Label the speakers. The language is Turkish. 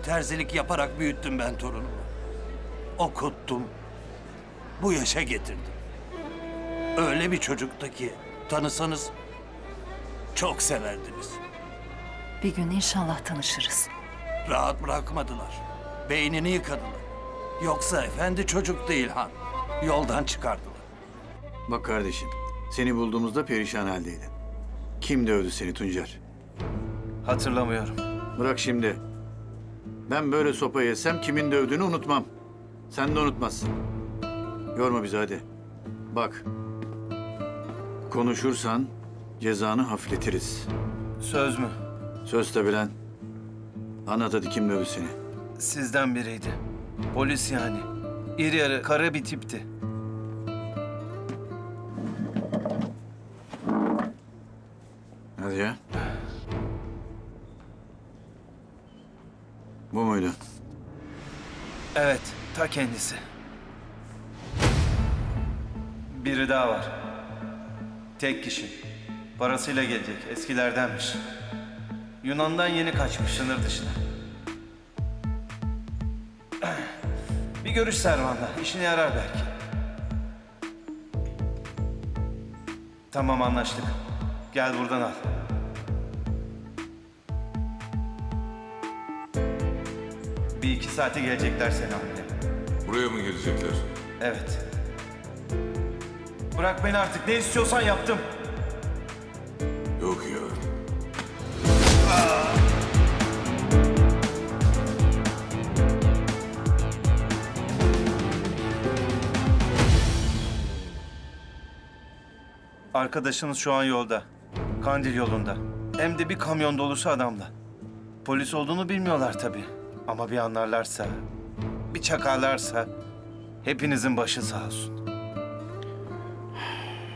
Speaker 1: terzilik yaparak büyüttüm ben torunumu. Okuttum. Bu yaşa getirdim. Öyle bir çocuktu ki tanısanız çok severdiniz.
Speaker 2: Bir gün inşallah tanışırız.
Speaker 1: Rahat bırakmadılar. Beynini yıkadılar. Yoksa efendi çocuk değil han. Yoldan çıkardılar.
Speaker 3: Bak kardeşim, seni bulduğumuzda perişan haldeydin. Kim dövdü seni Tuncer?
Speaker 4: Hatırlamıyorum.
Speaker 3: Bırak şimdi. Ben böyle sopa yesem kimin dövdüğünü unutmam. Sen de unutmazsın. Yorma bizi hadi. Bak. Konuşursan cezanı hafifletiriz.
Speaker 4: Söz mü?
Speaker 3: Söz tabi lan. Anlat hadi kim dövdü seni?
Speaker 4: Sizden biriydi. Polis yani. İri yarı, kara bir tipti.
Speaker 3: Hadi ya. Bu muydu?
Speaker 4: Evet, ta kendisi. Biri daha var. Tek kişi. Parasıyla gelecek, eskilerdenmiş. Yunan'dan yeni kaçmış sınır dışına. Bir görüş Servan'la, işine yarar belki. Tamam, anlaştık. Gel buradan al. Bir iki saate gelecekler seni almaya.
Speaker 5: Buraya mı gelecekler?
Speaker 4: Evet. Bırak beni artık. Ne istiyorsan yaptım.
Speaker 5: Yok ya.
Speaker 4: Arkadaşınız şu an yolda. Kandil yolunda. Hem de bir kamyon dolusu adamla. Polis olduğunu bilmiyorlar tabii. Ama bir anlarlarsa, bir çakarlarsa hepinizin başı sağ olsun.